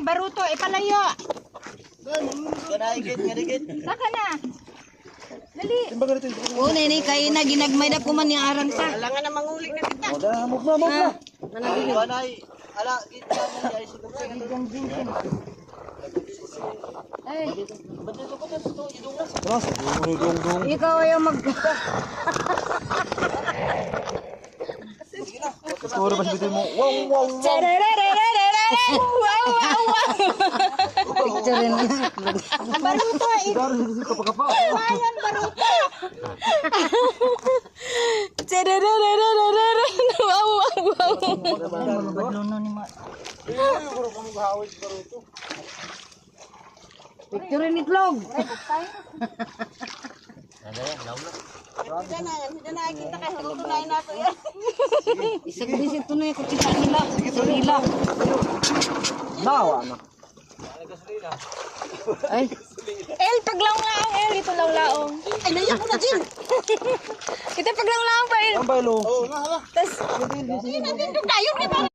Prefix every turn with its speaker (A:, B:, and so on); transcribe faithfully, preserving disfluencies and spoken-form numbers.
A: Yan, baruto, ipalayo.
B: Ganahigit, ganahigit.
A: Saka na. Dali.
C: O, nini, kayo na ginagmay na kuman ni arang sa.
A: Alangan na mangulik na kita.
B: O, dah, move na, move na. Ganay, ala, gitna mo niya, isigap sa ganito.
A: Ay,
B: Ba't dito ko dito, ito, idungas.
C: Ikaw ayaw mag...
B: Siguro ba sabihin mo, wow, wow, wow.
C: Wow, wow, wow. Picture rin na.
A: baruto, eh.
B: Kapag-kapa.
A: Ayan, baruto.
C: Wow, wow, wow. Picture rin itlog.
A: Diyan na, diyan na, kita kayo. Tutunayin nato yan.
C: Isag-isip to na yung kutsita nila. Ito nila.
B: Nawa na.
C: Ay.
A: El, paglaong-laong, El. Ito laong-laong. Ay, naiyak mo na, Jin. Ito paglaong-laong pa, El.
B: Ang baylo.
A: Tapos, yun natin doon tayo.